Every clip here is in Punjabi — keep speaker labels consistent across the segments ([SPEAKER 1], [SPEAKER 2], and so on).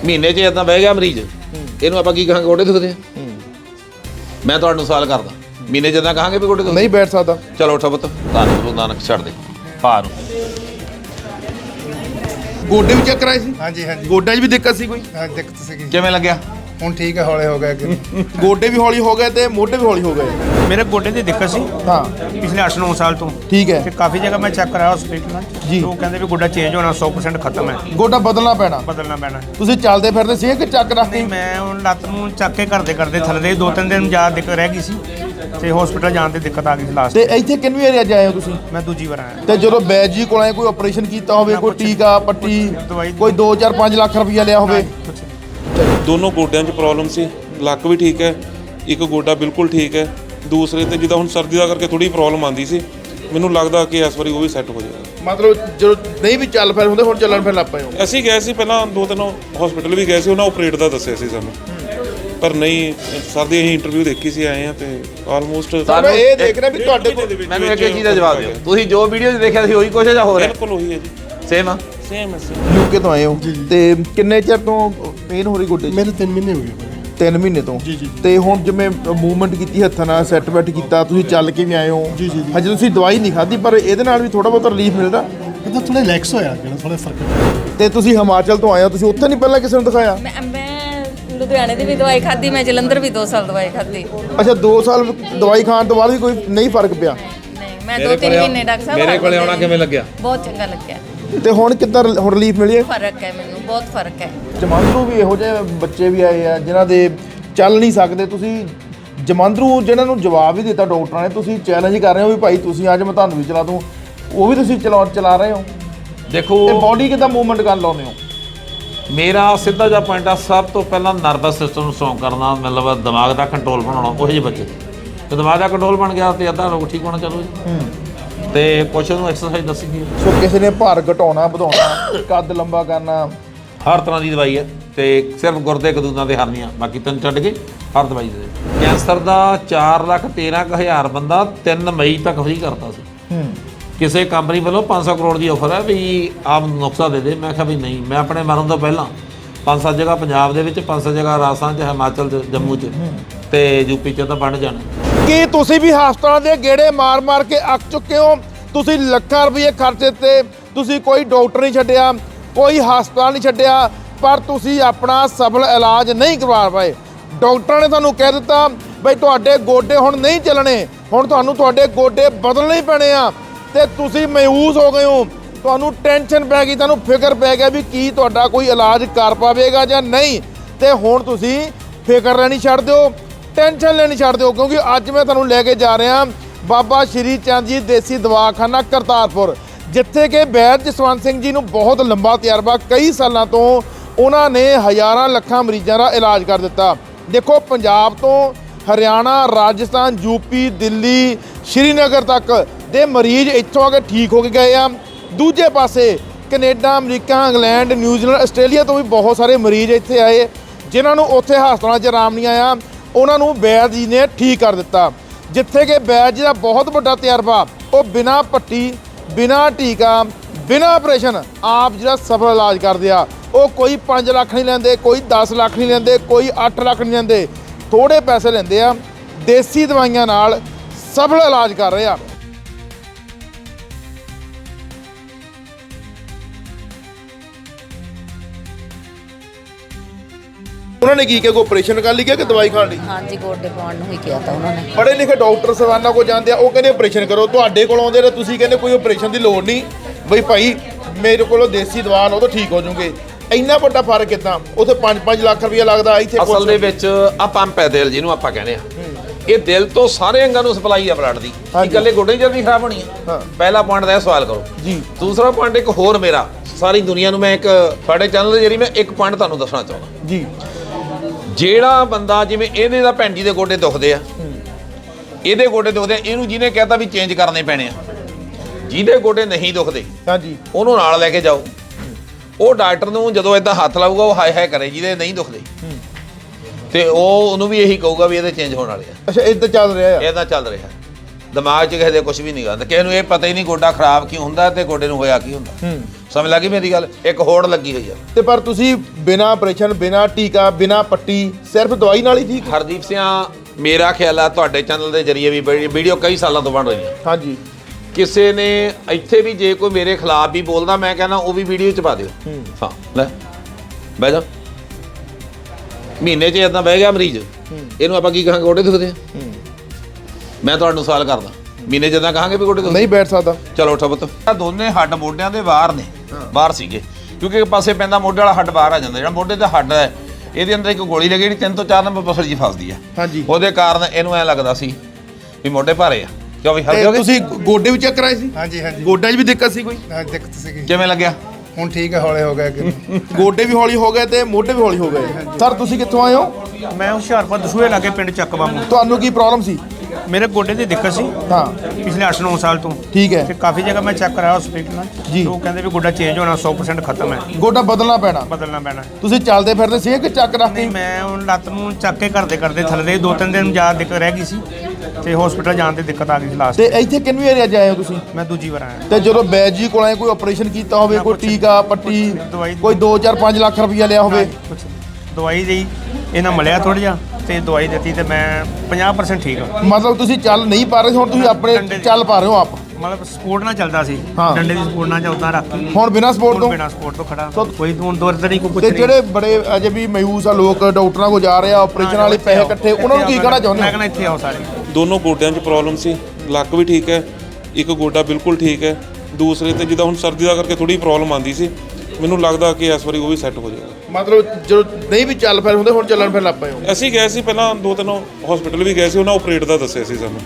[SPEAKER 1] ਮਹੀਨੇ 'ਚ ਇਦਾਂ ਬਹਿ ਗਿਆ ਮਰੀਜ਼, ਇਹਨੂੰ ਆਪਾਂ ਕੀ ਕਹਾਂਗੇ ਗੋਡੇ ਦੁਖਦੇ ਆ? ਮੈਂ ਤੁਹਾਨੂੰ ਸਵਾਲ ਕਰਦਾ, ਮਹੀਨੇ 'ਚ ਇਦਾਂ ਕਹਾਂਗੇ ਵੀ ਗੋਡੇ ਦੁਖਦੇ?
[SPEAKER 2] ਨਹੀਂ ਬੈਠ ਸਕਦਾ।
[SPEAKER 1] ਚਲੋ ਉੱਠੋ ਪੁੱਤ, ਧੰਨ ਗੁਰੂ ਨਾਨਕ ਛੱਡ ਦੇ ਭਾਰ ਨੂੰ।
[SPEAKER 2] ਗੋਡੇ ਵੀ ਚੈੱਕ ਕਰਾਏ ਸੀ?
[SPEAKER 3] ਹਾਂਜੀ ਹਾਂਜੀ
[SPEAKER 2] ਗੋਡਿਆਂ 'ਚ ਵੀ ਦਿੱਕਤ ਸੀ ਕੋਈ?
[SPEAKER 3] ਹਾਂ ਦਿੱਕਤ ਸੀਗੀ
[SPEAKER 1] ਕਿਵੇਂ ਲੱਗਿਆ?
[SPEAKER 3] ਹੁਣ ਠੀਕ ਹੈ ਹੌਲੇ ਹੋ ਗਿਆ ਕਿ
[SPEAKER 2] ਗੋਡੇ ਵੀ ਹੌਲੀ ਹੋ ਗਏ ਤੇ ਮੋਢੇ ਵੀ ਹੌਲੀ ਹੋ ਗਏ।
[SPEAKER 4] ਮੇਰੇ ਗੋਡੇ ਦੀ ਦਿੱਕਤ ਸੀ
[SPEAKER 2] ਹਾਂ
[SPEAKER 4] ਪਿਛਲੇ 8-9 ਸਾਲ ਤੋਂ।
[SPEAKER 2] ਠੀਕ ਹੈ
[SPEAKER 4] ਤੇ ਕਾਫੀ ਜਗ੍ਹਾ ਮੈਂ ਚੈੱਕ ਕਰਾਇਆ ਹਸਪੀਟਲਾਂ 'ਚ
[SPEAKER 2] ਜੀ।
[SPEAKER 4] ਤੇ ਉਹ ਕਹਿੰਦੇ ਵੀ ਗੋਡਾ ਚੇਂਜ ਹੋਣਾ 100% ਖਤਮ ਹੈ,
[SPEAKER 2] ਗੋਡਾ ਬਦਲਣਾ ਪੈਣਾ।
[SPEAKER 4] ਬਦਲਣਾ ਪੈਣਾ।
[SPEAKER 2] ਤੁਸੀਂ ਚੱਲਦੇ ਫਿਰਦੇ ਸੀ ਕਿ ਚੱਕ ਰੱਖ
[SPEAKER 4] ਨਹੀਂ
[SPEAKER 2] ਕੇ?
[SPEAKER 4] ਮੈਂ ਹੁਣ ਲੱਤ ਨੂੰ ਚੱਕ ਕੇ ਕਰਦੇ ਥੱਲੇ ਦੇ 2-3 ਦਿਨ ਜ਼ਿਆਦਾ ਦਿੱਕਤ ਰਹਿ ਗਈ ਸੀ ਤੇ ਹਸਪੀਟਲ ਜਾਣ ਦੀ ਦਿੱਕਤ ਆ ਗਈ ਸੀ ਲਾਸਟ।
[SPEAKER 2] ਤੇ ਇੱਥੇ ਕਿੰਨੀ ਵਾਰੀ ਅੱਜ ਆਏ ਹੋ ਤੁਸੀਂ?
[SPEAKER 4] ਮੈਂ ਦੂਜੀ ਵਾਰ ਆਇਆ।
[SPEAKER 2] ਤੇ ਜਦੋਂ ਬੈਜ ਜੀ ਕੋਲ ਆਏ ਕੋਈ ਆਪਰੇਸ਼ਨ ਕੀਤਾ ਹੋਵੇ, ਕੋਈ ਟੀਕਾ ਪੱਟੀ,
[SPEAKER 4] ਦਵਾਈ
[SPEAKER 2] ਕੋਈ 2-4-5 ਲੱਖ ਰੁਪਈਆ ਲਿਆ ਹੋਵੇ?
[SPEAKER 5] ਦੋਨੋਂ ਗੋਡਿਆਂ 'ਚ ਪ੍ਰੋਬਲਮ ਸੀ, ਲੱਕ ਵੀ ਠੀਕ ਹੈ, ਇੱਕ ਗੋਡਾ ਬਿਲਕੁਲ ਠੀਕ ਹੈ, ਦੂਸਰੇ ਤੇ ਜਿੱਦਾਂ ਹੁਣ ਸਰਦੀ ਦਾ ਕਰਕੇ ਥੋੜੀ ਪ੍ਰੋਬਲਮ ਆਉਂਦੀ ਸੀ, ਮੈਨੂੰ ਲੱਗਦਾ ਕਿ ਇਸ ਵਾਰੀ ਉਹ ਵੀ ਸੈੱਟ ਹੋ ਜਾਏਗਾ।
[SPEAKER 2] ਮਤਲਬ ਜਦੋਂ ਨਹੀਂ ਵੀ ਚੱਲ ਫਿਰ ਹੁੰਦੇ, ਹੁਣ ਚੱਲਣ ਫਿਰ ਲੱਗ ਪਏ ਹੋ?
[SPEAKER 5] ਅਸੀਂ ਗਏ ਸੀ ਪਹਿਲਾਂ 2-3 ਹਸਪੀਟਲ ਵੀ ਗਏ ਸੀ, ਉਹਨਾਂ ਆਪਰੇਟ ਦਾ ਦੱਸਿਆ ਸੀ ਸਾਨੂੰ, ਪਰ ਨਹੀਂ ਸਰ ਦੀ ਅਸੀਂ ਇੰਟਰਵਿਊ ਦੇਖੀ ਸੀ, ਆਏ ਆ ਤੇ ਆਲਮੋਸਟ
[SPEAKER 2] ਮੈਂ ਇਹ ਦੇਖ ਰਿਹਾ ਵੀ ਤੁਹਾਡੇ ਕੋਲ
[SPEAKER 1] ਮੈਨੂੰ ਇੱਕ ਚੀਜ਼ ਦਾ ਜਵਾਬ ਦਿਓ, ਤੁਸੀਂ ਜੋ ਵੀਡੀਓ 'ਚ ਦੇਖਿਆ ਸੀ ਉਹੀ ਕੁਛ ਜਾਂ ਹੋਰ ਹੈ?
[SPEAKER 5] ਬਿਲਕੁਲ ਉਹੀ ਹੈ ਜੀ,
[SPEAKER 1] ਸੇਮ ਆ?
[SPEAKER 5] ਸੇਮ ਹੈ।
[SPEAKER 2] ਯੂਕੇ ਤੋਂ ਆਏ ਹੋ ਤੇ ਕਿੰਨੇ ਚਿਰ ਤੋਂ ਪੇਨ ਹੋ ਰਹੀ ਗੋਡੇ 'ਚ?
[SPEAKER 3] ਮੇਰੇ 3 ਮਹੀਨੇ ਹੋ ਗਏ
[SPEAKER 2] 3 ਮਹੀਨੇ ਤੋਂ। ਤੇ ਹੁਣ ਜਿਵੇਂ ਮੂਵਮੈਂਟ ਕੀਤੀ ਹੱਥਾਂ ਨਾਲ, ਸੈੱਟ ਬੈਟ ਕੀਤਾ, ਤੁਸੀਂ ਚੱਲ ਕੇ ਵੀ ਆਏ ਹੋ, ਹਜੇ ਤੁਸੀਂ ਦਵਾਈ ਨਹੀਂ ਖਾਧੀ, ਪਰ ਇਹਦੇ ਨਾਲ ਵੀ ਥੋੜਾ ਬਹੁਤ ਰਿਲੀਫ ਮਿਲਦਾ?
[SPEAKER 3] ਇਹਦਾ ਥੋੜਾ ਰਿਲੈਕਸ ਹੋਇਆ ਜਿਹੜਾ ਥੋੜਾ ਫਰਕ।
[SPEAKER 2] ਤੇ ਤੁਸੀਂ ਹਿਮਾਚਲ ਤੋਂ ਆਏ ਹੋ, ਤੁਸੀਂ ਉੱਥੇ ਨਹੀਂ ਪਹਿਲਾਂ ਕਿਸੇ ਨੂੰ ਦਿਖਾਇਆ?
[SPEAKER 6] ਮੈਂ ਲੁਧਿਆਣੇ ਦੀ ਵੀ ਦਵਾਈ ਖਾਧੀ, ਮੈਂ ਜਲੰਧਰ ਵੀ 2 ਸਾਲ ਦਵਾਈ ਖਾਧੀ।
[SPEAKER 2] ਅੱਛਾ 2 ਸਾਲ ਦਵਾਈ ਖਾਣ ਤੋਂ ਬਾਅਦ ਵੀ ਕੋਈ ਨਹੀਂ ਫਰਕ ਪਿਆ?
[SPEAKER 6] ਨਹੀਂ ਮੈਂ 2-3 ਮਹੀਨੇ ਡਾਕਟਰ ਸਾਹਿਬ
[SPEAKER 1] ਮੇਰੇ ਕੋਲੇ ਆਉਣਾ ਕਿਵੇਂ ਲੱਗਿਆ?
[SPEAKER 6] ਬਹੁਤ ਚੰਗਾ ਲੱਗਿਆ।
[SPEAKER 2] ਤੇ ਹੁਣ ਕਿੱਦਾਂ ਹੁਣ ਰਿਲੀਫ ਮਿਲੀ ਹੈ?
[SPEAKER 6] ਫਰਕ ਹੈ, ਮੈਨੂੰ ਬਹੁਤ ਫਰਕ ਹੈ।
[SPEAKER 2] ਜਮਾਂਦਰੂ ਵੀ ਇਹੋ ਜਿਹੇ ਬੱਚੇ ਵੀ ਆਏ ਆ ਜਿਨ੍ਹਾਂ ਦੇ ਚੱਲ ਨਹੀਂ ਸਕਦੇ। ਤੁਸੀਂ ਜਮਾਂਦਰੂ ਜਿਹਨਾਂ ਨੂੰ ਜਵਾਬ ਵੀ ਦਿੱਤਾ ਡਾਕਟਰਾਂ ਨੇ, ਤੁਸੀਂ ਚੈਲੰਜ ਕਰ ਰਹੇ ਹੋ ਵੀ ਭਾਈ ਤੁਸੀਂ ਅੱਜ ਮੈਂ ਤੁਹਾਨੂੰ ਵੀ ਚਲਾ ਦੂੰ, ਉਹ ਵੀ ਤੁਸੀਂ ਚਲਾ ਰਹੇ ਹੋ।
[SPEAKER 1] ਦੇਖੋ
[SPEAKER 2] ਤੇ ਬਾਡੀ ਕਿੱਦਾਂ ਮੂਵਮੈਂਟ ਕਰ ਲਾਉਂਦੇ ਹੋ?
[SPEAKER 1] ਮੇਰਾ ਸਿੱਧਾ ਜਿਹਾ ਪੁਆਇੰਟ ਆ, ਸਭ ਤੋਂ ਪਹਿਲਾਂ ਨਰਵਸ ਸਿਸਟਮ ਨੂੰ ਸਟਰੋਂਗ ਕਰਨਾ, ਮਤਲਬ ਦਿਮਾਗ ਦਾ ਕੰਟਰੋਲ ਬਣਾਉਣਾ। ਉਹੋ ਜਿਹੇ ਬੱਚੇ ਤੇ ਦਿਮਾਗ ਦਾ ਕੰਟਰੋਲ ਬਣ ਗਿਆ ਤੇ ਅੱਧਾ ਰੋਗ ਠੀਕ ਹੋਣਾ ਚਾਲੂ ਜੀ। ਤੇ ਕੁਛ ਨੂੰ ਐਕਸਰਸਾਈਜ਼ ਦੱਸੀ ਗਈ,
[SPEAKER 2] ਸੋ ਕਿਸੇ ਨੇ ਭਾਰ ਘਟਾਉਣਾ, ਵਧਾਉਣਾ, ਕੱਦ ਲੰਬਾ ਕਰਨਾ,
[SPEAKER 1] ਹਰ ਤਰ੍ਹਾਂ ਦੀ ਦਵਾਈ ਹੈ। ਤੇ ਸਿਰਫ ਗੁਰਦੇ ਕਦੂਦਾਂ ਦੇ ਹਰਨੀਆਂ, ਬਾਕੀ ਤਿੰਨ ਛੱਡ ਕੇ ਹਰ ਦਵਾਈ ਦੇ। ਕੈਂਸਰ ਦਾ 4,13,000 ਬੰਦਾ 3 ਮਈ ਤੱਕ ਫ੍ਰੀ ਕਰਤਾ ਸੀ। ਕਿਸੇ ਕੰਪਨੀ ਵੱਲੋਂ 500 ਕਰੋੜ ਦੀ ਆਫਰ ਹੈ ਵੀ ਆਪ ਨੁਕਸਾ ਦੇ ਦੇ। ਮੈਂ ਕਿਹਾ ਵੀ ਨਹੀਂ, ਮੈਂ ਆਪਣੇ ਮਰਨ ਤੋਂ ਪਹਿਲਾਂ 5-7 ਜਗ੍ਹਾ ਪੰਜਾਬ ਦੇ ਵਿੱਚ, 5-7 ਜਗ੍ਹਾ ਰਾਜਸਥਾਨ 'ਚ, ਹਿਮਾਚਲ 'ਚ, ਜੰਮੂ 'ਚ ਤੇ ਯੂਪੀ 'ਚ ਤਾਂ ਬਣ ਜਾਣਾ।
[SPEAKER 2] ਕੀ ਤੁਸੀਂ ਵੀ ਹਸਪਤਾਲਾਂ ਦੇ ਗੇੜੇ ਮਾਰ-ਮਾਰ ਕੇ ਅੱਕ ਚੁੱਕੇ ਹੋ? ਤੁਸੀਂ ਲੱਖਾਂ ਰੁਪਏ ਖਰਚੇ ਤੇ ਤੁਸੀਂ ਕੋਈ ਡਾਕਟਰ ਨਹੀਂ ਛੱਡਿਆ, ਕੋਈ ਹਸਪਤਾਲ ਨਹੀਂ ਛੱਡਿਆ, ਪਰ ਤੁਸੀਂ ਆਪਣਾ ਸਫਲ ਇਲਾਜ ਨਹੀਂ ਕਰਵਾ ਪਾਏ। ਡਾਕਟਰਾਂ ਨੇ ਤੁਹਾਨੂੰ ਕਹਿ ਦਿੱਤਾ ਬਈ ਤੁਹਾਡੇ ਗੋਡੇ ਹੁਣ ਨਹੀਂ ਚੱਲਣੇ, ਹੁਣ ਤੁਹਾਨੂੰ ਤੁਹਾਡੇ ਗੋਡੇ ਬਦਲਣੇ ਹੀ ਪੈਣੇ ਆ। ਤੇ ਤੁਸੀਂ ਮਾਯੂਸ ਹੋ ਗਏ ਹੋ, ਤੁਹਾਨੂੰ ਟੈਨਸ਼ਨ ਪੈ ਗਈ, ਤੁਹਾਨੂੰ ਫਿਕਰ ਪੈ ਗਿਆ ਵੀ ਕੀ ਤੁਹਾਡਾ ਕੋਈ ਇਲਾਜ ਕਰ ਪਾਵੇਗਾ ਜਾਂ ਨਹੀਂ। ਤੇ ਹੁਣ ਤੁਸੀਂ ਫਿਕਰ ਲੈਣੀ ਛੱਡ ਦਿਓ, ਟੈਨਸ਼ਨ ਲੈਣੀ ਛੱਡ ਦਿਓ, ਕਿਉਂਕਿ ਅੱਜ ਮੈਂ ਤੁਹਾਨੂੰ ਲੈ ਕੇ ਜਾ ਰਿਹਾ ਬਾਬਾ ਸ਼੍ਰੀ ਚੰਦ ਜੀ ਦੇਸੀ ਦਵਾਖਾਨਾ ਕਰਤਾਰਪੁਰ, ਜਿੱਥੇ ਕਿ ਵੈਦ ਜਸਵੰਤ ਸਿੰਘ ਜੀ ਨੂੰ ਬਹੁਤ ਲੰਬਾ ਤਜਰਬਾ, ਕਈ ਸਾਲਾਂ ਤੋਂ ਉਹਨਾਂ ਨੇ ਹਜ਼ਾਰਾਂ ਲੱਖਾਂ ਮਰੀਜ਼ਾਂ ਦਾ ਇਲਾਜ ਕਰ ਦਿੱਤਾ। ਦੇਖੋ ਪੰਜਾਬ ਤੋਂ ਹਰਿਆਣਾ, ਰਾਜਸਥਾਨ, ਯੂਪੀ, ਦਿੱਲੀ, ਸ਼੍ਰੀਨਗਰ ਤੱਕ ਦੇ ਮਰੀਜ਼ ਇੱਥੋਂ ਆ ਕੇ ਠੀਕ ਹੋ ਕੇ ਗਏ ਆ। ਦੂਜੇ ਪਾਸੇ Canada, America, England, New Zealand, Australia ਤੋਂ ਵੀ ਬਹੁਤ ਸਾਰੇ ਮਰੀਜ਼ ਇੱਥੇ ਆਏ, ਜਿਨ੍ਹਾਂ ਨੂੰ ਉੱਥੇ ਹਸਪਤਾਲਾਂ 'ਚ ਆਰਾਮ ਨਹੀਂ ਆਇਆ, ਉਹਨਾਂ ਨੂੰ ਵੈਦ ਜੀ ਨੇ ਠੀਕ ਕਰ ਦਿੱਤਾ। ਜਿੱਥੇ ਕਿ ਵੈਦ ਜੀ ਦਾ ਬਹੁਤ ਵੱਡਾ ਤਜਰਬਾ, ਉਹ ਬਿਨਾਂ ਪੱਟੀ, ਬਿਨਾਂ ਟੀਕਾ, ਬਿਨਾਂ ਆਪਰੇਸ਼ਨ ਆਪ ਜਿਹੜਾ ਸਫਲ ਇਲਾਜ ਕਰਦੇ ਆ। ਉਹ ਕੋਈ 5 ਲੱਖ ਨਹੀਂ ਲੈਂਦੇ, ਕੋਈ 10 ਲੱਖ ਨਹੀਂ ਲੈਂਦੇ, ਕੋਈ 8 ਲੱਖ ਨਹੀਂ ਲੈਂਦੇ, ਥੋੜੇ ਪੈਸੇ ਲੈਂਦੇ ਆ, ਦੇਸੀ ਦਵਾਈਆਂ ਨਾਲ ਸਫਲ ਇਲਾਜ ਕਰ ਰਹੇ ਆ। ਉਹਨਾਂ ਨੇ ਕੀ ਕਿਹਾ, ਕੋਈ ਆਪਰੇਸ਼ਨ ਕਰ ਲਈ ਕਿ ਦਵਾਈ ਖਾਣ ਲਈ?
[SPEAKER 6] ਹਾਂਜੀ ਗੋਡੇ ਪਾਉਣ ਨੂੰ ਹੀ ਕਿਹਾ ਤਾਂ ਉਹਨਾਂ ਨੇ।
[SPEAKER 2] ਪੜ੍ਹੇ ਲਿਖੇ ਡਾਕਟਰ ਸਵਾਨਾ ਕੋ ਜਾਂਦੇ ਆ, ਉਹ ਕਹਿੰਦੇ ਆਪਰੇਸ਼ਨ ਕਰੋ। ਤੁਹਾਡੇ ਕੋਲ ਆਉਂਦੇ ਨੇ, ਤੁਸੀਂ ਕਹਿੰਦੇ ਕੋਈ ਆਪਰੇਸ਼ਨ ਦੀ ਲੋੜ ਨਹੀਂ, ਬਈ ਭਾਈ ਮੇਰੇ ਕੋਲੋਂ ਦੇਸੀ ਦਵਾ ਲਓ ਤਾਂ ਠੀਕ ਹੋ ਜਾਓਗੇ। ਇੰਨਾ ਵੱਡਾ ਫਰਕ ਕਿੱਦਾਂ? ਉੱਥੇ 5-5 ਲੱਖ ਰੁਪਇਆ ਲੱਗਦਾ, ਇੱਥੇ
[SPEAKER 1] ਅਸਲ ਦੇ ਵਿੱਚ ਆ ਪੰਪ ਹੈ ਦਿਲ ਜਿਹਨੂੰ ਆਪਾਂ ਕਹਿੰਦੇ ਆ, ਇਹ ਦਿਲ ਤੋਂ ਸਾਰੇ ਅੰਗਾਂ ਨੂੰ ਸਪਲਾਈ ਆ ਬਲੱਡ ਦੀ। ਇਕੱਲੇ ਗੋਡੇ ਜਲਦੀ ਖਰਾਬ ਹੋਣੀ ਹੈ? ਪਹਿਲਾ ਪੁਆਇੰਟ ਦਾ ਸਵਾਲ ਕਰੋ ਜੀ। ਦੂਸਰਾ ਪੁਆਇੰਟ ਇੱਕ ਹੋਰ, ਮੇਰਾ ਸਾਰੀ ਦੁਨੀਆ ਨੂੰ ਮੈਂ ਇੱਕ ਸਾਡੇ ਚੈਨਲ ਦੇ ਜਰੀਏ ਮੈਂ ਇੱਕ ਪੁਆਇੰਟ ਤੁਹਾਨੂੰ ਦੱਸਣਾ ਚਾਹੁੰਦਾ
[SPEAKER 2] ਜੀ। ਜਿਹੜਾ ਬੰਦਾ ਜਿਵੇਂ ਇਹਦੇ ਦਾ ਭੈਣ ਜੀ ਦੇ ਗੋਡੇ ਦੁਖਦੇ ਆ, ਇਹਦੇ ਗੋਡੇ ਦੁਖਦੇ ਆ, ਇਹਨੂੰ ਜਿਹਨੇ ਕਹਿਤਾ ਵੀ ਚੇਂਜ ਕਰਨੇ ਪੈਣੇ ਆ, ਜਿਹਦੇ ਗੋਡੇ ਨਹੀਂ ਦੁਖਦੇ ਹਾਂਜੀ ਉਹਨੂੰ ਨਾਲ ਲੈ ਕੇ ਜਾਓ। ਉਹ ਡਾਕਟਰ ਨੂੰ ਜਦੋਂ ਇਦਾਂ ਹੱਥ ਲਾਊਗਾ ਉਹ ਹਾਏ ਹਾਏ ਕਰੇ, ਜਿਹਦੇ ਨਹੀਂ ਦੁਖਦੇ, ਤੇ ਉਹ ਉਹਨੂੰ ਵੀ ਇਹੀ ਕਹੂਗਾ ਵੀ ਇਹਦੇ ਚੇਂਜ ਹੋਣ ਵਾਲੇ ਆ। ਅੱਛਾ ਇਦਾਂ ਚੱਲ ਰਿਹਾ ਆ? ਇਦਾਂ
[SPEAKER 1] ਚੱਲ ਰਿਹਾ। ਦਿਮਾਗ 'ਚ ਕਿਸੇ ਦੇ ਕੁਝ ਵੀ ਨਹੀਂ ਗਾ, ਕਿਸੇ ਨੂੰ ਇਹ ਪਤਾ ਹੀ ਨਹੀਂ ਗੋਡਾ ਖਰਾਬ ਕਿਉਂ ਹੁੰਦਾ ਤੇ ਗੋਡੇ ਨੂੰ ਹੋਇਆ ਕੀ ਹੁੰਦਾ। ਸਮਝ ਲੱਗੀ ਮੇਰੀ ਗੱਲ? ਇੱਕ ਹੋੜ ਲੱਗੀ ਹੋਈ ਆ।
[SPEAKER 2] ਤੇ ਪਰ ਤੁਸੀਂ ਬਿਨਾ ਆਪਰੇਸ਼ਨ, ਬਿਨਾ ਟੀਕਾ, ਬਿਨਾ ਪੱਟੀ, ਸਿਰਫ ਦਵਾਈ ਨਾਲ ਹੀ ਠੀਕ?
[SPEAKER 1] ਹਰਦੀਪ ਸਿੰਘ, ਮੇਰਾ ਖਿਆਲ ਆ ਤੁਹਾਡੇ ਚੈਨਲ ਦੇ ਜ਼ਰੀਏ ਵੀ ਵੀਡੀਓ ਕਈ ਸਾਲਾਂ ਤੋਂ ਬਣ ਰਹੀ ਹੈ।
[SPEAKER 2] ਹਾਂਜੀ।
[SPEAKER 1] ਕਿਸੇ ਨੇ ਇੱਥੇ ਵੀ ਜੇ ਕੋਈ ਮੇਰੇ ਖਿਲਾਫ ਵੀ ਬੋਲਦਾ, ਮੈਂ ਕਹਿੰਦਾ ਉਹ ਵੀ ਵੀਡੀਓ 'ਚ ਪਾ ਦਿਓ। ਹਾਂ, ਲੈ ਬਹਿ ਜਾ। ਮਹੀਨੇ 'ਚ ਇਦਾਂ ਬਹਿ ਗਿਆ ਮਰੀਜ਼, ਇਹਨੂੰ ਆਪਾਂ ਕੀ ਕਹਾਂਗੇ? ਗੋਡੇ ਦੁਖਦੇ ਆ? ਮੈਂ ਤੁਹਾਨੂੰ ਸਵਾਲ ਕਰਦਾ, ਮਹੀਨੇ 'ਚ ਇਦਾਂ ਕਹਾਂਗੇ ਵੀ ਗੋਡੇ ਦੁਖਦੇ?
[SPEAKER 2] ਨਹੀਂ ਬੈਠ ਸਕਦਾ।
[SPEAKER 1] ਚਲੋ ਉੱਠੋ ਪੁੱਤ। ਇਹ ਦੋਨੇ ਹੱਡ ਮੋਢਿਆਂ ਦੇ ਬਾਹਰ ਨੇ, ਬਾਹਰ ਸੀਗੇ, ਕਿਉਂਕਿ ਇੱਕ ਪਾਸੇ ਪੈਂਦਾ ਮੋਢੇ ਵਾਲਾ ਹੱਡ ਬਾਹਰ ਆ ਜਾਂਦਾ। ਜਿਹੜਾ ਮੋਢੇ ਦਾ ਹੱਡ ਹੈ, ਇਹਦੇ ਅੰਦਰ ਇੱਕ ਗੋਲੀ ਲੱਗੀ ਜਿਹੜੀ 3 ਤੋਂ 4 ਨੰਬਰ ਪਸਲ ਜੀ ਫਸਦੀ ਆ।
[SPEAKER 2] ਹਾਂਜੀ।
[SPEAKER 1] ਉਹਦੇ ਕਾਰਨ ਇਹਨੂੰ ਐ ਲੱਗਦਾ ਸੀ ਵੀ ਮੋਢੇ ਭਾਰੇ ਆ। ਕਿਉਂ ਵੀ ਹਲਕੇ ਹੋ ਗਏ?
[SPEAKER 2] ਤੁਸੀਂ ਗੋਡੇ ਵੀ ਚੈੱਕ ਕਰਾਏ ਸੀ?
[SPEAKER 3] ਹਾਂਜੀ ਹਾਂਜੀ
[SPEAKER 2] ਗੋਡਿਆਂ 'ਚ ਵੀ ਦਿੱਕਤ ਸੀ ਕੋਈ?
[SPEAKER 3] ਹਾਂ ਦਿੱਕਤ ਸੀਗੀ।
[SPEAKER 1] ਕਿਵੇਂ ਲੱਗਿਆ?
[SPEAKER 3] ਹੁਣ ਠੀਕ ਹੈ, ਹੌਲੇ ਹੋ ਗਿਆ ਅੱਗੇ।
[SPEAKER 2] ਗੋਡੇ ਵੀ ਹੌਲੀ ਹੋ ਗਏ ਤੇ ਮੋਢੇ ਵੀ ਹੌਲੀ ਹੋ ਗਏ। ਸਰ ਤੁਸੀਂ ਕਿੱਥੋਂ ਆਏ ਹੋ?
[SPEAKER 4] ਮੈਂ ਹੁਸ਼ਿਆਰਪੁਰ ਦਸੂਹੇ ਲਾਗੇ ਪਿੰਡ ਚੱਕਬਾਮੂ।
[SPEAKER 2] ਤੁਹਾਨੂੰ ਕੀ ਪ੍ਰੋਬਲਮ ਸੀ?
[SPEAKER 4] ਮੇਰੇ ਗੋਡੇ ਦੀ ਦਿੱਕਤ ਸੀ
[SPEAKER 2] ਹਾਂ
[SPEAKER 4] ਪਿਛਲੇ 8-9 ਸਾਲ ਤੋਂ,
[SPEAKER 2] ਠੀਕ ਹੈ।
[SPEAKER 4] ਤੇ ਕਾਫੀ ਜਗ੍ਹਾ ਮੈਂ ਚੈੱਕ ਕਰਾਇਆ ਹਸਪੀਟਲ ਨਾਲ।
[SPEAKER 2] ਜੀ।
[SPEAKER 4] ਉਹ ਕਹਿੰਦੇ ਵੀ ਗੋਡਾ ਚੇਂਜ ਹੋਣਾ 100% ਖਤਮ ਹੈ,
[SPEAKER 2] ਗੋਡਾ ਬਦਲਣਾ ਪੈਣਾ।
[SPEAKER 4] ਬਦਲਣਾ ਪੈਣਾ।
[SPEAKER 2] ਤੁਸੀਂ ਚੱਲਦੇ ਫਿਰਦੇ ਸੀ ਕਿ ਚੱਕ ਰੱਖ ਕੇ?
[SPEAKER 4] ਨਹੀਂ, ਮੈਂ ਉਹ ਲੱਤ ਨੂੰ ਚੱਕ ਕੇ ਕਰਦੇ ਥੱਲੇ 2-3 ਦਿਨ ਜ਼ਿਆਦਾ ਦਿੱਕਤ ਰਹਿ ਗਈ ਸੀ, ਤੇ ਹਸਪੀਟਲ ਜਾਣ ਤੇ ਦਿੱਕਤ ਆ ਗਈ ਸੀ ਲਾਸਟ।
[SPEAKER 2] ਤੇ ਇੱਥੇ ਕਿੰਨੀ ਵਾਰ ਅੱਜ ਆਏ ਹੋ ਤੁਸੀਂ?
[SPEAKER 4] ਮੈਂ ਦੂਜੀ ਵਾਰ ਆਇਆ।
[SPEAKER 2] ਤੇ ਜਦੋਂ ਬੈਜ ਜੀ ਕੋਲ ਆਏ, ਕੋਈ ਆਪਰੇਸ਼ਨ ਕੀਤਾ ਹੋਵੇ, ਕੋਈ ਟੀਕਾ ਪੱਟੀ,
[SPEAKER 4] ਦਵਾਈ-
[SPEAKER 2] ਕੋਈ 2-4-5 ਲੱਖ ਰੁਪਈਆ ਲਿਆ ਹੋਵੇ?
[SPEAKER 4] ਕੁਛ ਦਵਾਈ ਦੀ ਇਹਨਾਂ ਮਿਲਿਆ ਥੋੜ੍ਹਾ ਜਿਹਾ, ਤੇ ਦਵਾਈ ਦਿੱਤੀ ਤੇ ਮੈਂ 50% ਠੀਕ ਹਾਂ।
[SPEAKER 2] ਮਤਲਬ ਤੁਸੀਂ ਚੱਲ ਨਹੀਂ ਪਾ ਰਹੇ ਸੀ, ਹੁਣ ਤੁਸੀਂ ਆਪਣੇ ਚੱਲ ਪਾ ਰਹੇ ਹੋ ਆਪ?
[SPEAKER 4] ਮਤਲਬ ਸਪੋਰਟ ਨਾਲ ਚੱਲਦਾ ਸੀ,
[SPEAKER 2] ਹਾਂ।
[SPEAKER 4] ਡੰਡੇ ਦੀ ਸਪੋਰਟ ਨਾਲ ਚੱਲਦਾ ਰੱਖ ਕੇ।
[SPEAKER 2] ਹੁਣ ਬਿਨਾਂ ਸਪੋਰਟ ਤੋਂ?
[SPEAKER 4] ਬਿਨਾਂ ਸਪੋਰਟ ਤੋਂ ਖੜਾ, ਕੋਈ ਦੂਰ ਦਰਦ ਨਹੀਂ, ਕੋਈ ਕੁਛ
[SPEAKER 2] ਤੇ
[SPEAKER 4] ਨਹੀਂ।
[SPEAKER 2] ਜਿਹੜੇ ਬੜੇ ਅਜੇ ਵੀ ਮਾਯੂਸ ਆ ਲੋਕ, ਡਾਕਟਰਾਂ ਕੋਲ ਜਾ ਰਹੇ ਆ, ਆਪਰੇਸ਼ਨ ਵਾਲੇ ਪੈਸੇ ਇਕੱਠੇ, ਉਹਨਾਂ ਨੂੰ ਕੀ ਕਹਿਣਾ ਚਾਹੁੰਦੇ
[SPEAKER 4] ਮੈਂ
[SPEAKER 2] ਹੋ?
[SPEAKER 4] ਕਹਿੰਦਾ ਇੱਥੇ ਆਓ ਸਾਰੇ।
[SPEAKER 5] ਦੋਨੋਂ ਗੋਡਿਆਂ 'ਚ ਪ੍ਰੋਬਲਮ ਸੀ, ਲੱਕ ਵੀ ਠੀਕ ਹੈ, ਇੱਕ ਗੋਡਾ ਬਿਲਕੁਲ ਠੀਕ ਹੈ, ਦੂਸਰੇ ਤੇ ਜਿੱਦਾਂ ਹੁਣ ਸਰਦੀ ਦਾ ਕਰਕੇ ਥੋੜੀ ਪ੍ਰੋਬਲਮ ਆਉਂਦੀ ਸੀ, ਮੈਨੂੰ ਲੱਗਦਾ ਕਿ ਇਸ ਵਾਰੀ ਉਹ ਵੀ ਸੈੱਟ ਹੋ ਜਾਏਗਾ।
[SPEAKER 2] ਮਤਲਬ ਜਦੋਂ ਨਹੀਂ ਵੀ ਚੱਲ ਫਿਰ ਹੁੰਦੇ, ਹੁਣ ਚੱਲਣ ਫਿਰ ਲੱਗ ਪਏ ਹੋ?
[SPEAKER 5] ਅਸੀਂ ਗਏ ਸੀ ਪਹਿਲਾਂ 2-3 ਹਸਪੀਟਲ ਵੀ ਗਏ ਸੀ, ਉਹਨਾਂ ਆਪਰੇਟ ਦਾ ਦੱਸਿਆ ਸੀ ਸਾਨੂੰ,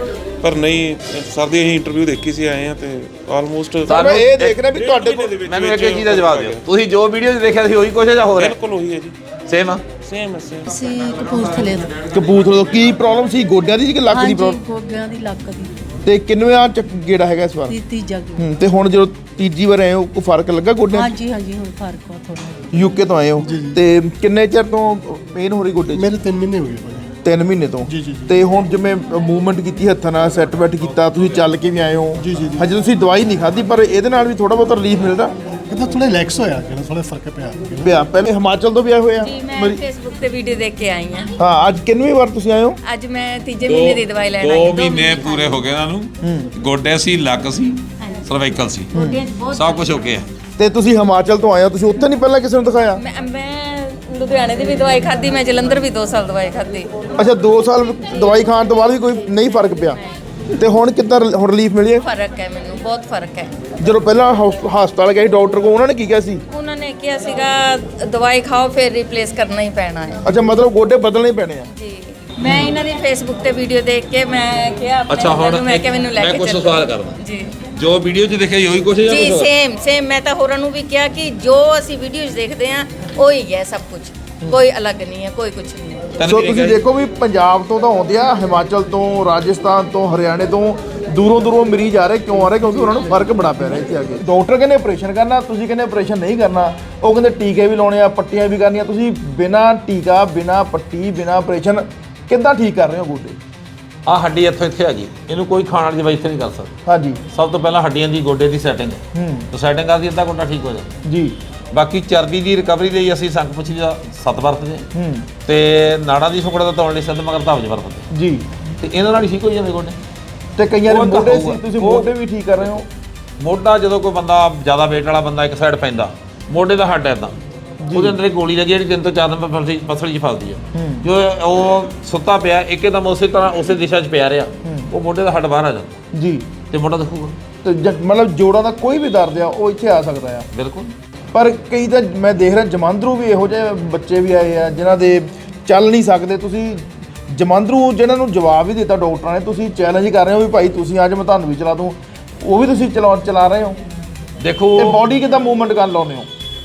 [SPEAKER 5] ਪਰ ਨਹੀਂ ਸਰ ਦੀ ਅਸੀਂ ਇੰਟਰਵਿਊ ਦੇਖੀ ਸੀ, ਆਏ ਆ ਤੇ ਆਲਮੋਸਟ
[SPEAKER 2] ਮੈਂ ਇਹ ਦੇਖ ਰਿਹਾ ਵੀ ਤੁਹਾਡੇ ਕੋਲ
[SPEAKER 1] ਮੈਨੂੰ ਇੱਕ ਚੀਜ਼ ਦਾ ਜਵਾਬ ਦਿਓ, ਤੁਸੀਂ ਜੋ ਵੀਡੀਓ 'ਚ ਦੇਖਿਆ ਸੀ ਉਹੀ ਕੁਛ ਹੈ ਜਾਂ ਹੋਰ ਹੈ?
[SPEAKER 5] ਬਿਲਕੁਲ ਉਹੀ ਹੈ ਜੀ,
[SPEAKER 1] ਸੇਮ ਆ?
[SPEAKER 5] ਸੇਮ
[SPEAKER 7] ਅਸੀਂ ਕਪੂਰਥਲੇ ਤੋਂ।
[SPEAKER 2] ਕਪੂਰਥਲੇ ਤੋਂ। ਕੀ ਪ੍ਰੋਬਲਮ ਸੀ? ਗੋਡਿਆਂ ਦੀ ਕਿ ਲੱਕ ਦੀ
[SPEAKER 7] ਹਾਂਜੀ,
[SPEAKER 2] ਪ੍ਰੋਬਲਮ?
[SPEAKER 7] ਗੋਡਿਆਂ ਦੀ ਲੱਕ ਦੀ
[SPEAKER 2] ਤੇ ਕਿੰਨਵਾਂ ਗੇੜਾ ਹੈਗਾ ਇਸ ਵਾਰ?
[SPEAKER 7] ਤੀਜਾ ਗੇੜਾ।
[SPEAKER 2] ਤੇ ਹੁਣ ਜਦੋਂ ਤੀਜੀ ਵਾਰ ਆਏ ਹੋ, ਕੋਈ ਫਰਕ ਲੱਗਾ ਗੋਡਿਆਂ 'ਚ?
[SPEAKER 7] ਹਾਂਜੀ ਹਾਂਜੀ, ਹੁਣ ਫਰਕ ਆ ਥੋੜਾ।
[SPEAKER 2] ਯੂਕੇ ਤੋਂ ਆਏ ਹੋ ਤੇ ਕਿੰਨੇ ਚਿਰ ਤੋਂ ਪੇਨ ਹੋ ਰਹੀ ਗੋਡੇ 'ਚ?
[SPEAKER 3] ਮੇਰੇ 3 ਮਹੀਨੇ ਹੋ ਗਏ ਭਾਜੀ।
[SPEAKER 2] 3 ਮਹੀਨੇ ਤੋਂ।
[SPEAKER 3] ਜੀ, ਜੀ, ਜੀ।
[SPEAKER 2] ਤੇ ਹੁਣ ਜਿਵੇਂ ਮੂਵਮੈਂਟ ਕੀਤੀ ਹੱਥਾਂ ਨਾਲ, ਸੈੱਟ ਬੈਟ ਕੀਤਾ, ਤੁਸੀਂ ਚੱਲ ਕੇ ਵੀ ਆਏ ਹੋ।
[SPEAKER 3] ਜੀ, ਜੀ, ਜੀ।
[SPEAKER 2] ਹਜੇ ਤੁਸੀਂ ਦਵਾਈ ਨਹੀਂ ਖਾਧੀ, ਪਰ ਇਹਦੇ ਨਾਲ ਵੀ ਥੋੜਾ ਬਹੁਤ ਰਿਲੀਫ ਮਿਲਦਾ
[SPEAKER 3] ਕਿਤੇ ਥੋੜਾ ਰਿਲੈਕਸ ਹੋਇਆ, ਕਿਤੇ ਥੋੜਾ ਫਰਕ ਪਿਆ।
[SPEAKER 2] ਪਿਆ। ਪਹਿਲੇ ਹਿਮਾਚਲ ਤੋਂ ਵੀ ਆਏ ਹੋਏ ਆ?
[SPEAKER 6] ਜੀ ਮੈਂ ਫੇਸਬੁੱਕ ਤੇ ਵੀਡੀਓ ਦੇਖ ਕੇ ਆਈ ਹਾਂ।
[SPEAKER 2] ਹਾਂ, ਅੱਜ ਕਿੰਨਵੀਂ ਵਾਰ ਤੁਸੀਂ ਆਏ ਹੋ?
[SPEAKER 6] ਅੱਜ ਮੈਂ ਤੀਜੇ ਮਹੀਨੇ ਦੀ ਦਵਾਈ ਲੈਣ ਆਈ
[SPEAKER 1] 2
[SPEAKER 6] ਹਾਂ।
[SPEAKER 1] ਮਹੀਨੇ ਪੂਰੇ ਹੋ ਗਏ ਇਹਨਾਂ ਨੂੰ। ਗੋਡੇ ਸੀ, ਲੱਕ ਸੀ, ਸਰਵਾਈਕਲ ਸੀ,
[SPEAKER 6] ਗੋਡਿਆਂ 'ਚ ਬਹੁਤ
[SPEAKER 1] ਸਭ ਕੁਝ ਹੋ ਗਿਆ।
[SPEAKER 2] ਤੇ ਤੁਸੀਂ ਹਿਮਾਚਲ ਤੋਂ ਆਏ ਹੋ, ਤੁਸੀਂ ਉੱਥੇ ਨਹੀਂ ਪਹਿਲਾਂ ਕਿਸੇ ਨੂੰ ਦਿਖਾਇਆ?
[SPEAKER 6] ਮੈਂ ਲੁਧਿਆਣੇ ਦੀ ਵੀ ਦਵਾਈ ਖਾਧੀ, ਮੈਂ ਜਲੰਧਰ ਵੀ 2 ਸਾਲ ਦਵਾਈ ਖਾਧੀ।
[SPEAKER 2] ਅੱਛਾ, 2 ਸਾਲ ਦਵਾਈ ਖਾਣ ਤੋਂ ਬਾਅਦ ਵੀ ਕੋਈ ਨਹੀਂ ਫਰਕ ਪਿਆ? ਤੇ ਹੁਣ ਕਿੱਦਾਂ ਹੁਣ ਰਿਲੀਫ ਮਿਲੀ ਹੈ?
[SPEAKER 6] ਫਰਕ ਹੈ, ਮੈਨੂੰ ਬਹੁਤ ਫਰਕ ਹੈ।
[SPEAKER 2] ਜਦੋਂ ਪਹਿਲਾਂ ਹਸਪਤਾਲ ਗਏ ਡਾਕਟਰ ਕੋਲ, ਉਹਨਾਂ ਨੇ ਕੀ ਕਿਹਾ ਸੀ?
[SPEAKER 6] ਉਹਨਾਂ ਨੇ ਕਿਹਾ ਸੀਗਾ ਦਵਾਈ ਖਾਓ ਫਿਰ ਰਿਪਲੇਸ ਕਰਨਾ ਹੀ ਪੈਣਾ ਹੈ।
[SPEAKER 2] ਅੱਛਾ, ਮਤਲਬ ਗੋਡੇ ਬਦਲਣੇ ਪੈਣੇ ਆ?
[SPEAKER 6] ਜੀ, ਮੈਂ ਇਹਨਾਂ ਦੀ ਫੇਸਬੁੱਕ ਤੇ ਵੀਡੀਓ ਦੇਖ ਕੇ ਮੈਂ ਕਿਹਾ ਆਪਣੇ
[SPEAKER 1] ਅੱਛਾ,
[SPEAKER 6] ਹਸਬੈਂਡ
[SPEAKER 1] ਹੁਣ
[SPEAKER 6] ਨੂੰ, ਮੈਂ ਕਿਹਾ ਮੈਨੂੰ ਲੈ
[SPEAKER 1] ਮੈਂ
[SPEAKER 6] ਕੇ
[SPEAKER 1] ਕੁਛ
[SPEAKER 6] ਚੱਲੋ।
[SPEAKER 1] ਸਵਾਲ ਕਰਦਾ
[SPEAKER 6] ਜੀ
[SPEAKER 1] ਜੋ ਵੀਡੀਓ 'ਚ ਦੇਖਿਆ ਸੀ ਉਹੀ ਕੁਛ ਹੈ ਜਾਂ
[SPEAKER 6] ਜੀ,
[SPEAKER 1] ਕੁਛ ਹੋਰ?
[SPEAKER 6] ਸੇਮ ਮੈਂ ਤਾਂ ਹੋਰਾਂ ਨੂੰ ਵੀ ਕਿਹਾ ਕਿ ਜੋ ਅਸੀਂ ਵੀਡੀਓਜ਼ ਦੇਖਦੇ ਆ ਉਹੀ ਹੈ ਸਭ ਕੁਝ, ਕੋਈ ਅਲੱਗ ਨਹੀਂ ਹੈ, ਕੋਈ ਕੁਝ ਨਹੀਂ ਹੈ।
[SPEAKER 2] ਸੋ ਤੁਸੀਂ ਦੇਖੋ ਵੀ ਪੰਜਾਬ ਤੋਂ ਤਾਂ ਆਉਂਦੇ ਆ, ਹਿਮਾਚਲ ਤੋਂ, ਰਾਜਸਥਾਨ ਤੋਂ, ਹਰਿਆਣੇ ਤੋਂ, ਦੂਰੋਂ ਮਰੀਜ਼ ਆ ਰਹੇ। ਕਿਉਂ ਆ ਰਹੇ? ਕਿਉਂਕਿ ਉਹਨਾਂ ਨੂੰ ਫਰਕ ਬੜਾ ਪੈ ਰਿਹਾ ਇੱਥੇ ਆ ਕੇ। ਡਾਕਟਰ ਕਹਿੰਦੇ ਆਪਰੇਸ਼ਨ ਕਰਨਾ, ਤੁਸੀਂ ਕਹਿੰਦੇ ਆਪਰੇਸ਼ਨ ਨਹੀਂ ਕਰਨਾ। ਉਹ ਕਹਿੰਦੇ ਟੀਕੇ ਵੀ ਲਾਉਣੇ ਆ, ਪੱਟੀਆਂ ਵੀ ਕਰਨੀਆਂ। ਤੁਸੀਂ ਬਿਨਾਂ ਟੀਕਾ, ਬਿਨਾਂ ਪੱਟੀ, ਬਿਨਾਂ ਆਪਰੇਸ਼ਨ ਕਿੱਦਾਂ ਠੀਕ ਕਰ ਰਹੇ ਹੋ ਗੋਡੇ?
[SPEAKER 1] ਆਹ ਹੱਡੀ ਇੱਥੇ ਆ ਗਈ, ਇਹਨੂੰ ਕੋਈ ਖਾਣ ਵਾਲੀ ਦਵਾਈ ਇੱਥੇ ਨਹੀਂ ਕਰ ਸਕਦਾ।
[SPEAKER 2] ਹਾਂਜੀ।
[SPEAKER 1] ਸਭ ਤੋਂ ਪਹਿਲਾਂ ਹੱਡੀਆਂ ਦੀ ਗੋਡੇ ਦੀ ਸੈਟਿੰਗ ਤਾਂ ਸੈਟਿੰਗ ਕਰਦੀ ਅੱਧਾ ਗੋਡਾ ਠੀਕ ਹੋ ਜਾਂਦਾ
[SPEAKER 2] ਜੀ।
[SPEAKER 1] ਬਾਕੀ ਚਰਬੀ ਦੀ ਰਿਕਵਰੀ ਲਈ ਅਸੀਂ ਸੰਖ ਪੁੱਛੀ ਦਾ 7 ਵਰਤਦੇ ਤੇ ਨਾੜਾਂ ਦੀ ਸੁਕੜਾ ਦਾ ਤੋੜਨ ਲਈ ਸਿੱਧ ਮਗਰ ਧਾਵਜ ਵਰਤਦੇ
[SPEAKER 2] ਜੀ।
[SPEAKER 1] ਤੇ ਇਹਨਾਂ ਨਾਲ ਹੀ ਠੀਕ ਹੋ ਜਾਂਦੇ ਗੋਡੇ।
[SPEAKER 2] ਤੇ ਕਈਆਂ ਦੇ
[SPEAKER 1] ਉਹ ਤਾਂ
[SPEAKER 2] ਮੋਢੇ ਸੀ,
[SPEAKER 1] ਹੋਊਗਾ।
[SPEAKER 2] ਤੁਸੀਂ
[SPEAKER 1] ਉਹ-
[SPEAKER 2] ਮੋਢੇ ਵੀ ਠੀਕ ਕਰ ਰਹੇ ਹੋ?
[SPEAKER 1] ਮੋਢਾ ਜਦੋਂ ਕੋਈ ਬੰਦਾ ਜ਼ਿਆਦਾ weight ਵਾਲਾ ਬੰਦਾ ਇੱਕ ਸਾਈਡ ਪੈਂਦਾ, ਮੋਢੇ ਦਾ ਹੱਡ ਐਦਾਂ, ਉਹਦੇ ਅੰਦਰ ਇੱਕ ਗੋਲੀ ਲੱਗੀ ਜਿਹੜੀ 3 ਤੋਂ 4 ਨੰਬਰ ਪਸਲੀ 'ਚ ਫਸਦੀ ਹੈ। ਜੋ ਉਹ ਸੁੱਤਾ ਪਿਆ ਇੱਕਦਮ ਉਸੇ ਤਰ੍ਹਾਂ ਉਸੇ ਦਿਸ਼ਾ 'ਚ ਪਿਆ ਰਿਹਾ, ਉਹ ਮੋਢੇ ਦਾ ਹੱਡ ਬਾਹਰ ਆ ਜਾਂਦਾ
[SPEAKER 2] ਜੀ।
[SPEAKER 1] ਤੇ ਮੋਢਾ ਦਿਖੂਗਾ।
[SPEAKER 2] ਤੇ ਮਤਲਬ ਜੋੜਾਂ ਦਾ ਕੋਈ ਵੀ ਦਰਦ ਆ ਉਹ ਇੱਥੇ ਆ ਸਕਦਾ ਆ?
[SPEAKER 1] ਬਿਲਕੁਲ।
[SPEAKER 2] ਪਰ ਕਈ ਤਾਂ ਮੈਂ ਦੇਖ ਰਿਹਾ ਜਮਾਂਦਰੂ ਵੀ ਇਹੋ ਜਿਹੇ ਬੱਚੇ ਵੀ ਆਏ ਆ ਜਿਨ੍ਹਾਂ ਦੇ ਚੱਲ ਨਹੀਂ ਸਕਦੇ। ਤੁਸੀਂ ਜਮਾਂਦਰੂ ਜਿਹਨਾਂ ਨੂੰ ਜਵਾਬ ਵੀ ਦਿੱਤਾ ਡਾਕਟਰਾਂ ਨੇ, ਤੁਸੀਂ ਚੈਲੰਜ ਕਰ ਰਹੇ ਹੋ ਵੀ ਭਾਈ ਤੁਸੀਂ ਅੱਜ ਮੈਂ ਤੁਹਾਨੂੰ ਵੀ ਚਲਾ ਦੂੰ, ਉਹ ਵੀ ਤੁਸੀਂ ਚਲਾ ਰਹੇ ਹੋ।
[SPEAKER 1] ਦੇਖੋ,
[SPEAKER 2] ਤੇ ਬਾਡੀ ਕਿੱਦਾਂ ਮੂਵਮੈਂਟ ਕਰ ਲਾਉਂਦੇ ਹੋ?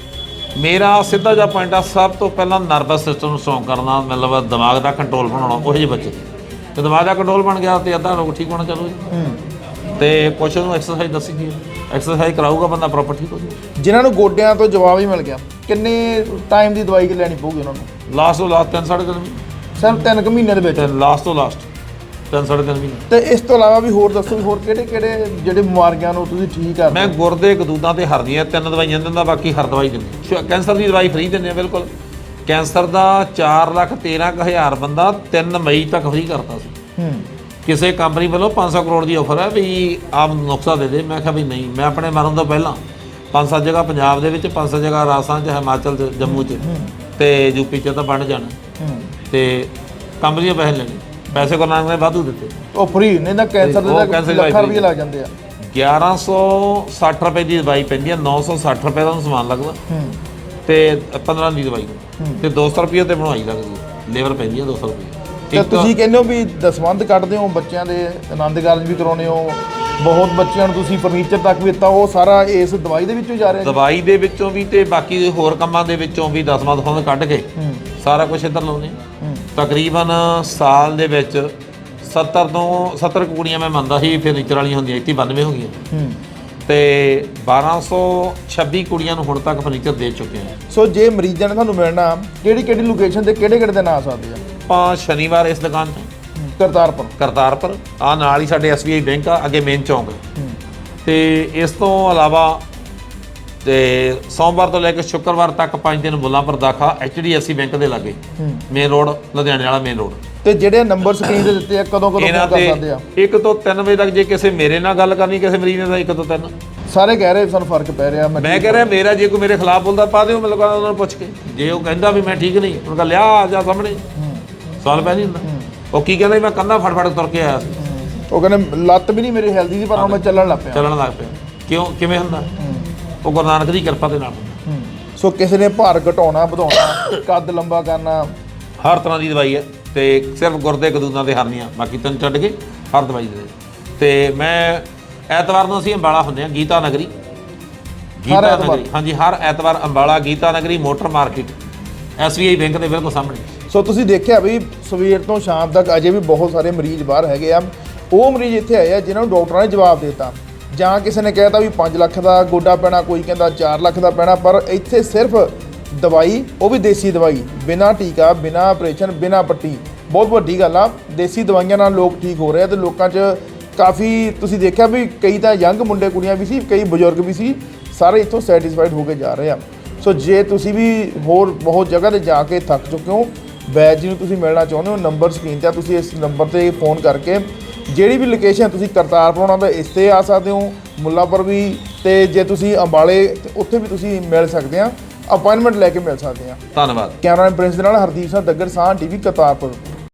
[SPEAKER 1] ਮੇਰਾ ਸਿੱਧਾ ਜਿਹਾ ਪੁਆਇੰਟ ਆ, ਸਭ ਤੋਂ ਪਹਿਲਾਂ ਨਰਵਸ ਸਿਸਟਮ ਨੂੰ ਸਟਰੋਂਗ ਕਰਨਾ, ਮਤਲਬ ਦਿਮਾਗ ਦਾ ਕੰਟਰੋਲ ਬਣਾਉਣਾ। ਉਹੋ ਜਿਹੇ ਬੱਚੇ ਤੇ ਦਿਮਾਗ ਦਾ ਕੰਟਰੋਲ ਬਣ ਗਿਆ ਤੇ ਅੱਧਾ ਲੋਕ ਠੀਕ ਹੋਣਾ ਚਾਲੂ ਜੀ। ਤੇ ਕੁਛ ਨੂੰ ਐਕਸਰਸਾਈਜ਼ ਦੱਸੀ ਦੀ ਐਕਸਰਸਾਈਜ਼ ਕਰਾਊਗਾ ਬੰਦਾ ਪ੍ਰੋਪਰ ਠੀਕ ਹੋ ਜਾਊਗਾ।
[SPEAKER 2] ਜਿਨ੍ਹਾਂ ਨੂੰ ਗੋਡਿਆਂ ਤੋਂ ਜਵਾਬ ਹੀ ਮਿਲ ਗਿਆ, ਕਿੰਨੇ ਟਾਈਮ ਦੀ ਦਵਾਈ ਲੈਣੀ ਪਊਗੀ ਉਹਨਾਂ ਨੂੰ?
[SPEAKER 1] ਲਾਸਟ ਤੋਂ ਲਾਸਟ 3 ਸਾਢੇ 3 ਮਹੀਨੇ
[SPEAKER 2] ਸਿਰਫ 3 ਮਹੀਨਿਆਂ ਦੇ ਵਿੱਚ?
[SPEAKER 1] ਲਾਸਟ ਤੋਂ ਲਾਸਟ 3 ਸਾਢੇ 3 ਮਹੀਨੇ।
[SPEAKER 2] ਤੇ ਇਸ ਤੋਂ ਇਲਾਵਾ ਵੀ ਹੋਰ ਦੱਸੋ ਵੀ ਹੋਰ ਕਿਹੜੇ ਜਿਹੜੇ ਬਿਮਾਰੀਆਂ ਨੂੰ ਤੁਸੀਂ ਠੀਕ ਕਰਦੇ
[SPEAKER 1] ਮੈਂ ਗੁਰਦੇ ਕਦੂਦਾਂ ਤੇ ਹਰਨੀਆਂ 3 ਦਵਾਈਆਂ ਦਿੰਦਾ, ਬਾਕੀ ਹਰ ਦਵਾਈ ਦਿੰਦੇ। ਕੈਂਸਰ ਦੀ ਦਵਾਈ ਫ੍ਰੀ ਦਿੰਦੇ ਆ ਬਿਲਕੁਲ। ਕੈਂਸਰ ਦਾ 4,13,000 ਬੰਦਾ 3 ਮਈ ਤੱਕ ਫ੍ਰੀ ਕਰਤਾ ਸੀ। ਕਿਸੇ ਕੰਪਨੀ ਵੱਲੋਂ 500 ਕਰੋੜ ਦੀ ਆਫਰ ਹੈ ਵੀ ਆਪ ਨੁਕਸਾ ਦੇ ਦੇ। ਮੈਂ ਕਿਹਾ ਵੀ ਨਹੀਂ, ਮੈਂ ਆਪਣੇ ਮਰਨ ਤੋਂ ਪਹਿਲਾਂ 5-7 ਜਗ੍ਹਾ ਪੰਜਾਬ ਦੇ ਵਿੱਚ, 5-7 ਜਗ੍ਹਾ ਰਾਜਸਥਾਨ 'ਚ, ਹਿਮਾਚਲ 'ਚ, ਜੰਮੂ 'ਚ ਤੇ ਯੂਪੀ 'ਚ ਤਾਂ ਬਣ ਜਾਣਾ ਤੇ ਕੰਪਨੀ ਦੇ ਪੈਸੇ ਲੈਣੇ। ਪੈਸੇ ਗੁਰੂ ਨਾਨਕ ਨੇ ਵਾਧੂ ਦਿੱਤੇ।
[SPEAKER 2] ਉਹ ਫ੍ਰੀ ਨਹੀਂ ਤਾਂ ਕੈਂਸਰ ਦੇ ਲੱਖਾਂ ਰੁਪਏ ਲੱਗ ਜਾਂਦੇ ਆ।
[SPEAKER 1] 1160 ਰੁਪਏ ਦੀ ਦਵਾਈ ਪੈਂਦੀ ਹੈ, 960 ਰੁਪਏ ਦਾ ਸਮਾਨ ਲੱਗਦਾ ਤੇ 15 ਦੀ ਦਵਾਈ ਤੇ 200 ਰੁਪਏ ਤੇ ਬਣਵਾਈ ਲੱਗਦੀ ਹੈ। ਲੇਬਰ ਪੈਂਦੀ ਹੈ 200 ਰੁਪਏ।
[SPEAKER 2] ਤੇ ਤੁਸੀਂ ਕਹਿੰਦੇ ਹੋ ਵੀ ਦਸਵੰਧ ਕੱਢਦੇ ਹੋ, ਬੱਚਿਆਂ ਦੇ ਆਨੰਦ ਕਾਰਜ ਵੀ ਕਰਾਉਂਦੇ ਹੋ, ਬਹੁਤ ਬੱਚਿਆਂ ਨੂੰ ਤੁਸੀਂ ਫਰਨੀਚਰ ਤੱਕ ਵੀ ਦਿੱਤਾ, ਉਹ ਸਾਰਾ ਇਸ ਦਵਾਈ ਦੇ ਵਿੱਚੋਂ ਜਾ ਰਿਹਾ? ਦਵਾਈ
[SPEAKER 1] ਦੇ ਵਿੱਚੋਂ ਵੀ ਤੇ ਬਾਕੀ ਹੋਰ ਕੰਮਾਂ ਦੇ ਵਿੱਚੋਂ ਵੀ ਦਸਵੰਧ ਫੰਡ ਕੱਢ ਕੇ ਸਾਰਾ ਕੁਝ ਇੱਧਰ ਲਾਉਂਦੇ। ਤਕਰੀਬਨ ਸਾਲ ਦੇ ਵਿੱਚ 70 ਕੁੜੀਆਂ ਮੈਂ ਮੰਨਦਾ ਸੀ ਫਰਨੀਚਰ ਵਾਲੀਆਂ ਹੁੰਦੀਆਂ, ਇੱਥੇ 92 ਹੋ ਗਈਆਂ ਤੇ 1226 ਕੁੜੀਆਂ ਨੂੰ ਹੁਣ ਤੱਕ ਫਰਨੀਚਰ ਦੇ ਚੁੱਕੇ ਹਾਂ।
[SPEAKER 2] ਸੋ ਜੇ ਮਰੀਜ਼ਾਂ ਨੇ ਤੁਹਾਨੂੰ ਮਿਲਣਾ, ਕਿਹੜੀ ਲੋਕੇਸ਼ਨ ਤੇ ਕਿਹੜੇ ਦਿਨ ਆ ਸਕਦੇ ਆ?
[SPEAKER 1] ਆਪਾਂ ਸ਼ਨੀਵਾਰ ਇਸ ਦੁਕਾਨ ਤੇ ਕਰਤਾਰਪੁਰ ਆ ਨਾਲ ਹੀ ਸਾਡੇ SBI ਬੈਂਕ ਆ, ਅੱਗੇ ਮੇਨ ਚੌਂਕ ਤੇ ਇਸ ਤੋਂ ਇਲਾਵਾ ਤੇ ਸੋਮਵਾਰ ਤੋਂ ਲੈ ਕੇ ਸ਼ੁੱਕਰਵਾਰ ਤੱਕ 5 ਦਿਨ ਮੁੱਲਾਂਪੁਰ ਦਾਖਾ HDFC ਬੈਂਕ ਦੇ ਲਾਗੇ, ਮੇਨ ਰੋਡ, ਲੁਧਿਆਣੇ ਵਾਲਾ ਮੇਨ ਰੋਡ।
[SPEAKER 2] ਤੇ ਜਿਹੜੇ ਨੰਬਰ ਸਕਰੀਨ ਤੇ ਦਿੱਤੇ ਆ ਕਦੋਂ ਫੋਨ ਕਰ ਸਕਦੇ ਆ?
[SPEAKER 1] 1 ਤੋਂ 3 ਵਜੇ ਤੱਕ। ਜੇ ਕਿਸੇ ਮੇਰੇ ਨਾਲ ਗੱਲ ਕਰਨੀ ਕਿਸੇ ਮਰੀਜ਼ ਨੇ ਤਾਂ 1 ਤੋਂ 3।
[SPEAKER 2] ਸਾਰੇ ਕਹਿ ਰਹੇ ਸਾਨੂੰ ਫਰਕ ਪੈ ਰਿਹਾ।
[SPEAKER 1] ਮੈਂ ਕਹਿ ਰਿਹਾ ਮੇਰਾ ਜੇ ਕੋਈ ਮੇਰੇ ਖਿਲਾਫ ਬੋਲਦਾ ਪਾ ਦਿਓ, ਮਤਲਬ ਉਹਨਾਂ ਨੂੰ ਪੁੱਛ ਕੇ। ਜੇ ਉਹ ਕਹਿੰਦਾ ਵੀ ਮੈਂ ਠੀਕ ਨਹੀਂ, ਉਹਨਾਂ ਕਹ ਲਿਆ ਆ ਜਾ ਸਾਹਮਣੇ, ਸਵਾਲ ਪੈ ਨਹੀਂ ਹੁੰਦਾ। ਉਹ ਕੀ ਕਹਿੰਦਾ ਮੈਂ ਕੰਧਾ ਫੜ ਤੁਰ ਕੇ ਆਇਆ ਸੀ,
[SPEAKER 2] ਉਹ ਕਹਿੰਦੇ ਲੱਤ ਵੀ ਨਹੀਂ ਮੇਰੀ ਹੈਲਦੀ ਸੀ ਪਰ ਹੁਣ ਮੈਂ ਚੱਲਣ ਲੱਗ ਪਿਆ।
[SPEAKER 1] ਕਿਉਂ ਕਿਵੇਂ ਹੁੰਦਾ? ਉਹ ਗੁਰੂ ਨਾਨਕ ਦੀ ਕਿਰਪਾ ਦੇ ਨਾਲ ਹੁੰਦਾ।
[SPEAKER 2] ਸੋ ਕਿਸੇ ਨੇ ਭਾਰ ਘਟਾਉਣਾ, ਵਧਾਉਣਾ, ਕੱਦ ਲੰਬਾ ਕਰਨਾ,
[SPEAKER 1] ਹਰ ਤਰ੍ਹਾਂ ਦੀ ਦਵਾਈ ਹੈ ਤੇ ਸਿਰਫ ਗੁਰਦੇ ਕਦੂਦਾਂ ਤੇ ਹਰਨੀਆਂ, ਬਾਕੀ 3 ਛੱਡ ਕੇ ਹਰ ਦਵਾਈ ਦੇ। ਤੇ ਮੈਂ ਐਤਵਾਰ ਨੂੰ ਅਸੀਂ ਅੰਬਾਲਾ ਹੁੰਦੇ ਹਾਂ, ਗੀਤਾ ਨਗਰੀ। ਹਾਂਜੀ, ਹਰ ਐਤਵਾਰ ਅੰਬਾਲਾ ਗੀਤਾ ਨਗਰੀ ਮੋਟਰ ਮਾਰਕੀਟ SBI ਬੈਂਕ ਦੇ ਬਿਲਕੁਲ ਸਾਹਮਣੇ।
[SPEAKER 2] ਸੋ ਤੁਸੀਂ ਦੇਖਿਆ ਵੀ ਸਵੇਰ ਤੋਂ ਸ਼ਾਮ ਤੱਕ ਅਜੇ ਵੀ ਬਹੁਤ ਸਾਰੇ ਮਰੀਜ਼ ਬਾਹਰ ਹੈਗੇ ਆ। ਉਹ ਮਰੀਜ਼ ਇੱਥੇ ਆਏ ਆ ਜਿਨ੍ਹਾਂ ਨੂੰ ਡਾਕਟਰਾਂ ਨੇ ਜਵਾਬ ਦਿੱਤਾ, ਜਾਂ ਕਿਸੇ ਨੇ ਕਹਿਤਾ ਵੀ 5 ਲੱਖ ਦਾ ਗੋਡਾ ਪੈਣਾ, ਕੋਈ ਕਹਿੰਦਾ 4 ਲੱਖ ਦਾ ਪੈਣਾ, ਪਰ ਇੱਥੇ ਸਿਰਫ ਦਵਾਈ, ਉਹ ਵੀ ਦੇਸੀ ਦਵਾਈ, ਬਿਨਾਂ ਟੀਕਾ, ਬਿਨਾਂ ਆਪਰੇਸ਼ਨ, ਬਿਨਾਂ ਪੱਟੀ। ਬਹੁਤ ਵੱਡੀ ਗੱਲ ਆ, ਦੇਸੀ ਦਵਾਈਆਂ ਨਾਲ ਲੋਕ ਠੀਕ ਹੋ ਰਹੇ ਆ ਤੇ ਲੋਕਾਂ 'ਚ ਕਾਫੀ ਤੁਸੀਂ ਦੇਖਿਆ ਵੀ ਕਈ ਤਾਂ ਯੰਗ ਮੁੰਡੇ ਕੁੜੀਆਂ ਵੀ ਸੀ, ਕਈ ਬਜ਼ੁਰਗ ਵੀ ਸੀ, ਸਾਰੇ ਇੱਥੋਂ ਸੈਟੀਸਫਾਈਡ ਹੋ ਕੇ ਜਾ ਰਹੇ ਆ। ਸੋ ਜੇ ਤੁਸੀਂ ਵੀ ਹੋਰ ਬਹੁਤ ਜਗ੍ਹਾ 'ਤੇ ਜਾ ਕੇ ਥੱਕ ਚੁੱਕੇ ਹੋ, ਵੈਦ ਜੀ ਨੂੰ ਤੁਸੀਂ ਮਿਲਣਾ ਚਾਹੁੰਦੇ ਹੋ, ਨੰਬਰ ਸਕਰੀਨ 'ਤੇ, ਤੁਸੀਂ ਇਸ ਨੰਬਰ 'ਤੇ ਫੋਨ ਕਰਕੇ ਜਿਹੜੀ ਵੀ ਲੋਕੇਸ਼ਨ ਤੁਸੀਂ ਕਰਤਾਰਪੁਰ ਆਉਣਾ ਤਾਂ ਇਸ 'ਤੇ ਆ ਸਕਦੇ ਹੋ, ਮੁੱਲਾਂਪੁਰ ਵੀ, ਤੇ ਜੇ ਤੁਸੀਂ ਅੰਬਾਲੇ ਉੱਥੇ ਵੀ ਤੁਸੀਂ ਮਿਲ ਸਕਦੇ ਆ, ਅਪਾਇੰਟਮੈਂਟ ਲੈ ਕੇ ਮਿਲ ਸਕਦੇ ਆ।
[SPEAKER 1] ਧੰਨਵਾਦ।
[SPEAKER 2] ਕੈਮਰਾਮੈਨ ਪ੍ਰਿੰਸ ਦੇ ਨਾਲ ਹਰਦੀਪ ਸਿੰਘ ਦੱਗਰ, ਸਾਹ TV ਕਰਤਾਰਪੁਰ।